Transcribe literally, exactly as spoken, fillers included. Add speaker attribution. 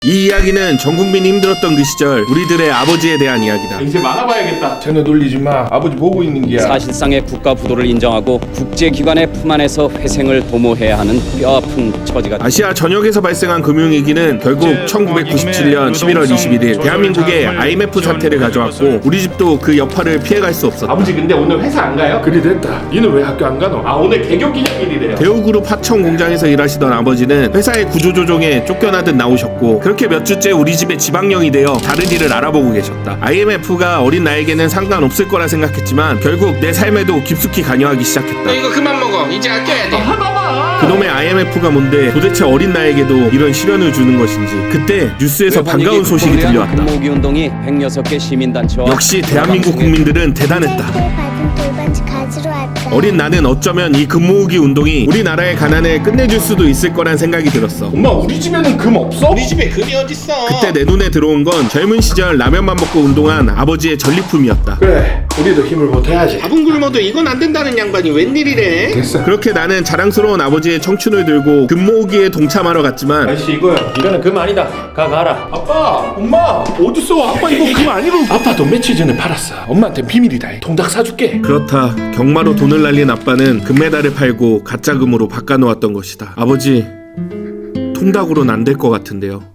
Speaker 1: 이 이야기는 전 국민이 힘들었던 그 시절 우리들의 아버지에 대한 이야기다.
Speaker 2: 이제 막아봐야겠다. 전혀 놀리지 마. 아버지 보고 있는 게야.
Speaker 3: 사실상의 국가 부도를 인정하고 국제기관의 품 안에서 회생을 도모해야 하는 뼈아픈 처지가
Speaker 1: 아시아 전역에서 발생한 금융위기는 결국 천구백구십칠 년 십일월 이십일일 대한민국의 아이엠에프 사태를 가져왔고 우리 집도 그 여파를 피해갈 수 없었다.
Speaker 2: 아버지 근데 오늘 회사 안 가요? 그리 됐다. 니는 왜 학교 안 가노? 아 오늘 개교기념일이래요.
Speaker 1: 대우그룹 하청 공장에서 일하시던 아버지는 회사의 구조조정에 쫓겨나듯 나오셨고 그렇게 몇 주째 우리 집에 지방령이 되어 다른 일을 알아보고 계셨다. 아이엠에프가 어린 나에게는 상관없을 거라 생각했지만 결국 내 삶에도 깊숙이 관여하기 시작했다.
Speaker 4: 이거 그만 먹어. 이제 아껴야 돼.
Speaker 1: 그놈의 아이엠에프가 뭔데 도대체 어린 나에게도 이런 시련을 주는 것인지 그때 뉴스에서 반가운 소식이 들려왔다.
Speaker 3: 금모으기 운동이 백여섯 개 시민단체와
Speaker 1: 역시 대한민국 국민들은 대단했다.
Speaker 5: 받은 돌반지 가지러 왔다.
Speaker 1: 어린 나는 어쩌면 이 금 모으기 운동이 우리나라의 가난을 끝내줄 수도 있을 거란 생각이 들었어.
Speaker 2: 엄마 우리 집에는 금 없어?
Speaker 4: 우리 집에 금이 어딨어?
Speaker 1: 그때 내 눈에 들어온 건 젊은 시절 라면만 먹고 운동한 아버지의 전리품이었다.
Speaker 2: 그래 우리도 힘을 보태야지.
Speaker 4: 밥은 굶어도 이건 안 된다는 양반이 웬일이래?
Speaker 2: 됐어.
Speaker 1: 그렇게 나는 자랑스러운 아버지의 청춘을 들고 금 모으기에 동참하러 갔지만
Speaker 2: 아저씨 이거요.
Speaker 6: 이거는 금 아니다. 가 가라.
Speaker 2: 아빠 엄마 어딨어? 아빠 이거 금 아니로. 아빠도 며칠 전에 팔았어. 엄마한테 비밀이다. 통닭 사줄게.
Speaker 1: 그렇다. 경마로 돈을 날린 아빠는 금메달을 팔고 가짜 금으로 바꿔놓았던 것이다. 아버지, 통닭으로는 안 될 것 같은데요.